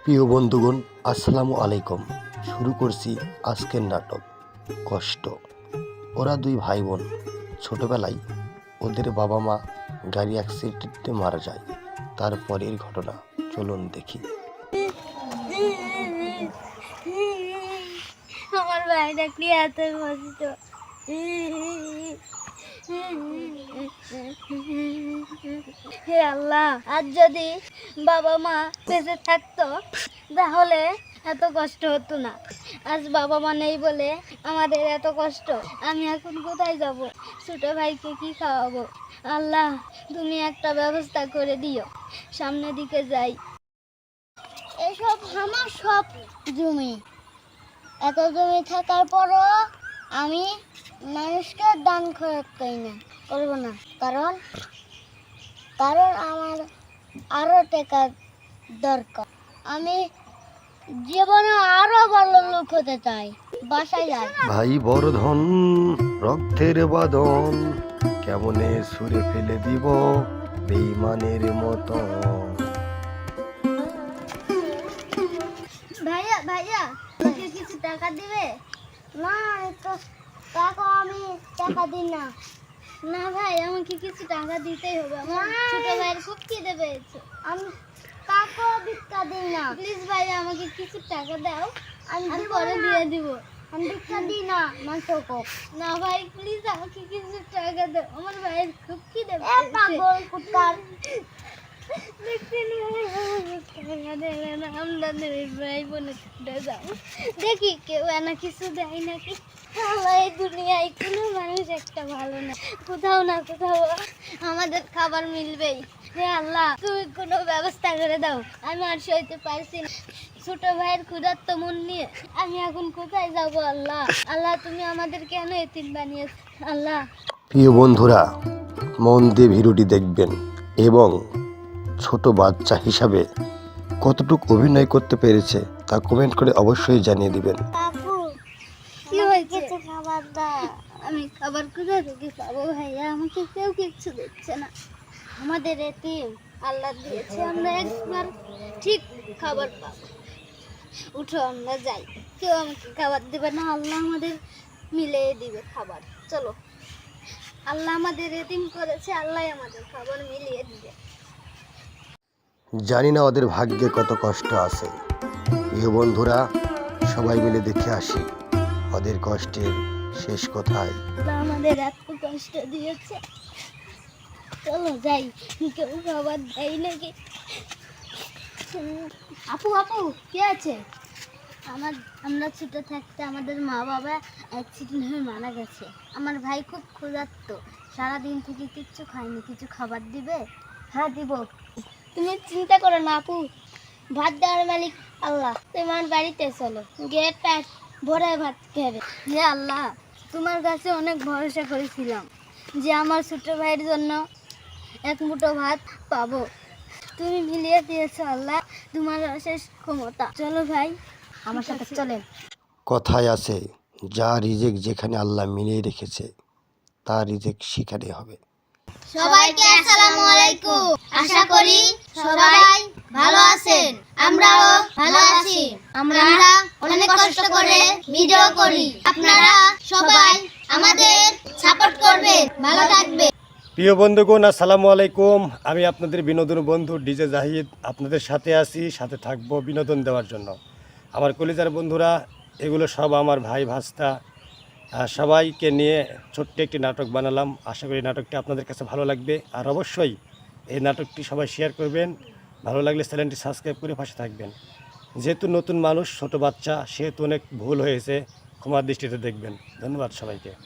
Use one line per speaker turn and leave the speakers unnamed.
প্রিয় বন্ধুগণ, আসসালামু আলাইকুম। শুরু করছি আজকের নাটক কষ্ট। ওরা দুই ভাই বোন ছোটবেলায় ওদের বাবা মা গাড়ি অ্যাক্সিডেন্টে মারা যায়। তারপরের ঘটনা চলুন দেখি।
আমার ভাইটা কি এত কষ্ট। হে আল্লাহ, আজ যদি বাবা মা বেঁচে থাকতো তাহলে এত কষ্ট হতো না। আজ বাবা মা নেই বলে আমাদের এত কষ্ট। আমি এখন কোথায় যাব? ছোট ভাইকে কি খাওয়াবো? আল্লাহ, তুমি একটা ব্যবস্থা করে দিও। সামনের দিকে যাই। এসব আমার সব জমি। এত জমি থাকার পরও আমি মানুষকে দান করবো না। কারণ আমার আরো টাকা দরকার। আমি জীবনে আরো ভালো লোক হতে চাই। বাসায় যাই।
ভাই বড় ধন, রক্তের বাঁধন, কেমনে সুরে ফেলে দিব বেঈমানের মতো।
ভাইয়া ভাইয়া, আমাকে কিছু টাকা দিবে? না, আমি টাকা দিই না। না ভাই, আমাকে কিছু টাকা দিতেই হবে। আমার ছোট ভাইয়ের খুব খিদে পেয়েছে। আমি টাকা ভিক্ষা দিই না। প্লিজ ভাইয়া, আমাকে কিছু টাকা দাও, আমি পরে দিয়ে দিব। আমি ভিক্ষা দিই না। না ভাই, প্লিজ আমাকে কিছু টাকা দাও। আমার ভাইয়ের খুব খিদে পেয়েছে। পাগল কুত্তার। দেখি কেউ এনা কিছু দেয় নাকি। এই দুনিয়ায় কোনো মানুষ একটা ভালো না। কোথাও না কোথাও আমাদের খাবার মিলবেই। হে আল্লাহ, তুমি কোনো ব্যবস্থা করে দাও। আমি আর সইতে পারছি না। ছোট ভাইয়ের ক্ষুধার্ত মন নিয়ে আমি এখন কোথায় যাব? আল্লাহ আল্লাহ, তুমি আমাদের কেন এতিম বানিয়েছ? আল্লাহ।
প্রিয় বন্ধুরা, মন দিয়ে ভিডিওটি দেখবেন এবং ছোট বাচ্চা হিসাবে কতটুকু অভিনয় করতে পেরেছে তা কমেন্ট করে অবশ্যই জানিয়ে দিবেন।
আপু, কি হয়েছে? খাবার দাও। আমি খাবার কোথা থেকে পাবো ভাইয়া? আমাকে কেউ কিচ্ছু দিচ্ছে না। আমাদের এতিম আল্লাহ দিয়েছে, আমরা একবার ঠিক খাবার পাবো। উঠো, আমরা যাই। কেউ আমাকে খাবার দেবে না, আল্লাহ আমাদের মিলিয়ে দিবে খাবার। চলো, আল্লাহ আমাদের এতিম করেছে, আল্লাহ আমাদের খাবার মিলিয়ে দিবে।
জানি না ওদের ভাগ্যে কত কষ্ট আছে। প্রিয় বন্ধুরা, সবাই মিলে দেখে আসি ওদের কষ্টের শেষ কোথায়।
আল্লাহ আমাদের এত কষ্ট দিয়েছে, চলো যাই। কেউ খাবার দেয় নাকি? আপু আপু, কে আছে? আমরা ছোট থাকতে আমাদের মা বাবা অ্যাক্সিডেন্ট হয়ে মারা গেছে। আমার ভাই খুব ক্ষুধার্ত, সারাদিন থেকে কিচ্ছু খায়নি। কিছু খাবার দিবে? হ্যাঁ দিব। তুমি চিন্তা করো না আপু, ভাত দেওয়ার মালিক আল্লাহ। তোমার বাড়িতে চলো, গিয়ে পেট ভরে ভাত খাবে। হে আল্লাহ, তোমার কাছে অনেক ভরসা করেছিলাম যে আমার ছোট ভাইয়ের জন্য এক মুঠো ভাত পাবো। তুমি মিলিয়ে দিয়েছো আল্লাহ, তোমার অশেষ ক্ষমতা। চলো ভাই, আমার সাথে চলেন।
কথায় আছে, যা রিজেক যেখানে আল্লাহ মিলিয়ে রেখেছে তার রিজেক সেখানে হবে।
সবাইকে আসসালামু আলাইকুম। আশা করি সবাই ভালো আছেন। আমরাও ভালো আছি। আমরা অনেক কষ্ট করে ভিডিও করি। আপনারা সবাই আমাদের সাপোর্ট করবেন। ভালো থাকবেন।
প্রিয় বন্ধুগণ, আসসালামু আলাইকুম। আমি আপনাদের বিনোদন বন্ধু ডিজে জাহিদ আপনাদের সাথে আছি, সাথে থাকবো বিনোদন দেওয়ার জন্য। আমার কলিজার বন্ধুরা, এগুলো সব আমার ভাই ভাস্তা, সবাইকে নিয়ে ছোট্ট একটি নাটক বানালাম। আশা করি নাটকটি আপনাদের কাছে ভালো লাগবে। আর অবশ্যই এই নাটকটি সবাই শেয়ার করবেন। ভালো লাগলে চ্যানেলটি সাবস্ক্রাইব করে পাশে থাকবেন। যেহেতু নতুন মানুষ, ছোট বাচ্চা, সেহেতু অনেক ভুল হয়েছে, ক্ষমার দৃষ্টিতে দেখবেন। ধন্যবাদ সবাইকে।